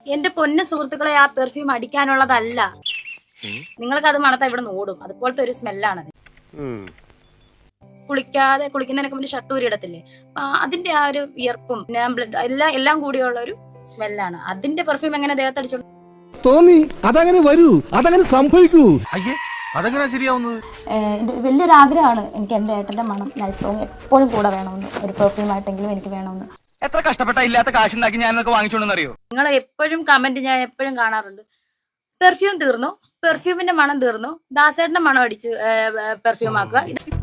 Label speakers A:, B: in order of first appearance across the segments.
A: എന്റെ പൊന്ന സുഹൃത്തുക്കളെ, ആ പെർഫ്യൂം അടിക്കാനുള്ളതല്ല. നിങ്ങൾക്ക് അത് മണത്താ ഇവിടെ ഓടും. അതുപോലത്തെ ഒരു സ്മെല്ലാണത്. കുളിക്കുന്നതിനൊക്കെ മുന്നേ ഷട്ടൂരി ഇടത്തില്ലേ, അതിന്റെ ആ ഒരു വിയർപ്പും ബ്ലഡ് എല്ലാം കൂടിയുള്ള ഒരു സ്മെല്ലാണ്. അതിന്റെ പെർഫ്യൂം എങ്ങനെ ദേഹത്തടിച്ചോണ്ട്
B: തോന്നി? അതങ്ങനെ വരൂ, അതങ്ങനെ സംഭവിക്കൂ.
C: അതെങ്ങനെ ശരിയാവുന്നത്?
A: വലിയൊരു ആഗ്രഹമാണ് എനിക്ക് എന്റെ ഏട്ടന്റെ മണം ലൈഫ് ലോങ് എപ്പോഴും കൂടെ വേണമെന്ന്. ഒരു പെർഫ്യൂം ആയിട്ടെങ്കിലും എനിക്ക് വേണമെന്ന്.
D: എത്ര കഷ്ടപ്പെട്ട ഇല്ലാത്ത കാശുണ്ടാക്കി ഞാനൊക്കെ വാങ്ങിച്ചോണ്ടെന്നറിയോ?
A: നിങ്ങൾ എപ്പോഴും കമന്റ് ഞാൻ എപ്പോഴും കാണാറുണ്ട്, പെർഫ്യൂം തീർന്നു, പെർഫ്യൂമിന്റെ മണം തീർന്നു, ദാസേട്ടന്റെ മണം അടിച്ച് പെർഫ്യൂം ആക്കുക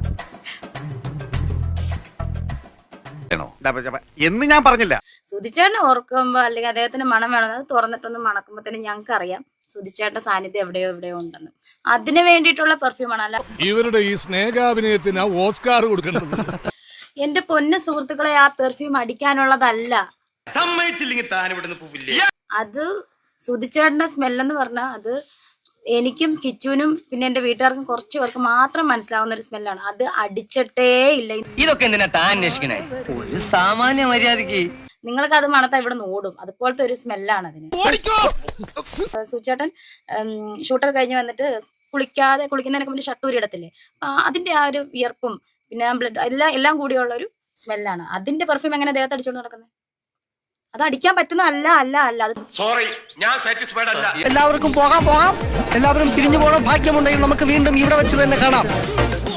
C: എന്ന് ഞാൻ പറഞ്ഞില്ല.
A: സുധിച്ചേട്ടനെ ഓർക്കുമ്പോ അല്ലെങ്കിൽ അദ്ദേഹത്തിന്റെ മണം വേണമെന്ന് തുറന്നിട്ടൊന്ന് മണക്കുമ്പോ തന്നെ ഞങ്ങൾക്ക് അറിയാം സുധിച്ചേട്ടന്റെ സാന്നിധ്യം എവിടെയോ ഉണ്ടെന്ന്. അതിന് വേണ്ടിയിട്ടുള്ള പെർഫ്യൂമാണ്. അല്ല
B: ഇവരുടെ ഈ സ്നേഹാഭിനയത്തിന് ഓസ്കാർ കൊടുക്കേണ്ടത്.
A: എന്റെ പൊന്ന സുഹൃത്തുക്കളെ, ആ പെർഫ്യൂം അടിക്കാനുള്ളതല്ല. അത് സുധിച്ചേട്ടന്റെ സ്മെല്ലെന്ന് പറഞ്ഞാൽ അത് എനിക്കും കിച്ചുവിനും പിന്നെ എന്റെ വീട്ടുകാർക്കും കുറച്ചു പേർക്ക് മാത്രം മനസ്സിലാവുന്ന ഒരു സ്മെല്ലാണ്. അത് അടിച്ചിട്ടേ ഇല്ല.
D: ഇതൊക്കെ എന്തിനാ താൻ അന്വേഷിക്കണേ? ഒരു സാമാന്യ മര്യാദക്ക്
A: നിങ്ങൾക്ക് അത് മണത്താ ഇവിടെ ഓടും. അതുപോലത്തെ ഒരു സ്മെല്ലാണ് അതിന്. സുചേട്ടൻ ഷൂട്ടൊക്കെ കഴിഞ്ഞ് വന്നിട്ട് കുളിക്കുന്നതിനൊക്കെ മുന്നേ ഷട്ടൂരി ഇടത്തില്ലേ, അതിന്റെ ആ ഒരു വിയർപ്പും പിന്നെ ബ്ലഡ് എല്ലാം കൂടിയുള്ള ഒരു സ്മെല്ലാണ്. അതിന്റെ പെർഫ്യൂം എങ്ങനെ ദേഹത്തടിച്ചോണ്ട് നടക്കുന്നത്? അത് അടിക്കാൻ പറ്റുന്ന അല്ല.
C: സോറി, ഞാൻ സാറ്റിസ്ഫൈഡ് അല്ല.
D: എല്ലാവർക്കും പോകാം. എല്ലാവരും പിരിഞ്ഞു പോകണം. ഭാഗ്യമുണ്ടെങ്കിൽ നമുക്ക് വീണ്ടും ഇവിടെ വെച്ച് തന്നെ കാണാം.